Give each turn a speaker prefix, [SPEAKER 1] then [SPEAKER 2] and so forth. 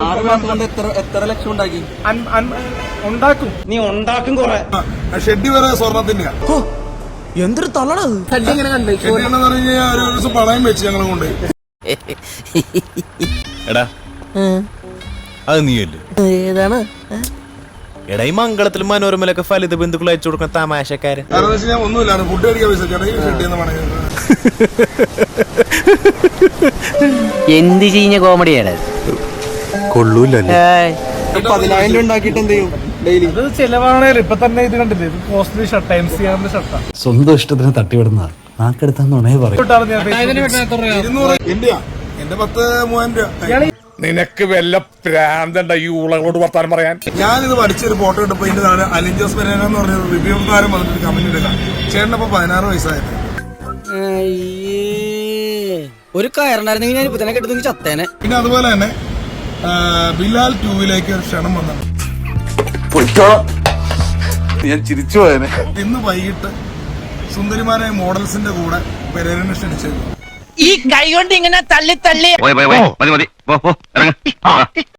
[SPEAKER 1] 6 മാസം കൊണ്ട് എത്ര ലക്ഷം ഉണ്ടാക്കി?
[SPEAKER 2] ഉണ്ടാക്കും.
[SPEAKER 1] നീ ഉണ്ടാക്കും കൊറേ.
[SPEAKER 3] ഷെഡ് വരെ സ്വർണത്തിന്റെ
[SPEAKER 1] എന്തൊരു തള്ളണത്. ഷെഡ് എങ്ങനെ കണ്ടു?
[SPEAKER 3] ഒരു ദിവസം പണയം വെച്ച് ഞങ്ങൾ കൊണ്ട്.
[SPEAKER 4] എടാ അത് നീയല്ലേ?
[SPEAKER 1] ഏതാണ്?
[SPEAKER 4] എടാ ഈ മംഗളത്തിലും മനോരമയിലൊക്കെ ഫലിത ബന്ധുക്കൾ അയച്ചു കൊടുക്കുന്ന തമാശക്കാരൻ.
[SPEAKER 3] കാരണം വെച്ചാൽ ഞാൻ ഒന്നുമില്ല, ഫുഡ് കഴിക്കാൻ പൈസ ഷെഡ് പണയം.
[SPEAKER 1] എന്ത് ചെയ്യുന്ന കോമഡിയാണ്?
[SPEAKER 4] കൊള്ളൂല്ലേ?
[SPEAKER 1] 10,000 രൂപ ഉണ്ടാക്കിട്ട് എന്ത് ചെയ്യും ഡെയിലി?
[SPEAKER 2] ഇത് ചെലവാണേലും ഇപ്പൊ തന്നെ ഇത് കണ്ടില്ലേ, ഇത് കോസ്റ്റ്ലി ഷർട്ട്, MCR ഷർട്ടാ.
[SPEAKER 5] സ്വന്തം ഇഷ്ടത്തിന് തട്ടിവിടുന്ന നാക്കെടുത്താന്നുണേ പറയും.
[SPEAKER 3] 200 എന്റെയാ, എന്റെ 10,000-3,000 രൂപ.
[SPEAKER 6] നിനക്ക് വല്ല പ്രാന്തണ്ട ഈ ഊളകളോട് വർത്താനം പറയാൻ?
[SPEAKER 3] ഞാനിത് പഠിച്ചൊരു ഫോട്ടോ ഇട്ടപ്പോ ഇതിന്റെ താഴെ അലിൻ ജോസ് പെരേര എന്ന് പറഞ്ഞ റിവ്യൂക്കാരൻ വന്നിട്ട് കമന്റ് എടുക്കാം. ചേട്ടനപ്പോ 16 വയസ്സായത്.
[SPEAKER 1] ഒരു കയറുണ്ടായിരുന്നെങ്കിൽ ഞാൻ ഇപ്പൊ തന്നെ കെട്ടുന്നെങ്കിൽ ചത്തേനെ.
[SPEAKER 3] പിന്നെ അതുപോലെ തന്നെ ബിലാൽ 2-ലേക്ക് ഒരു ക്ഷണം വന്നു.
[SPEAKER 6] ഞാൻ ചിരിച്ചു പോയനെ.
[SPEAKER 3] ഇന്ന് വൈകിട്ട് സുന്ദരിമാരായ മോഡൽസിന്റെ കൂടെ പെരേരനെ ക്ഷണിച്ചിരുന്നു.
[SPEAKER 7] ഈ കൈ കൊണ്ട് ഇങ്ങനെ തള്ളി തള്ളി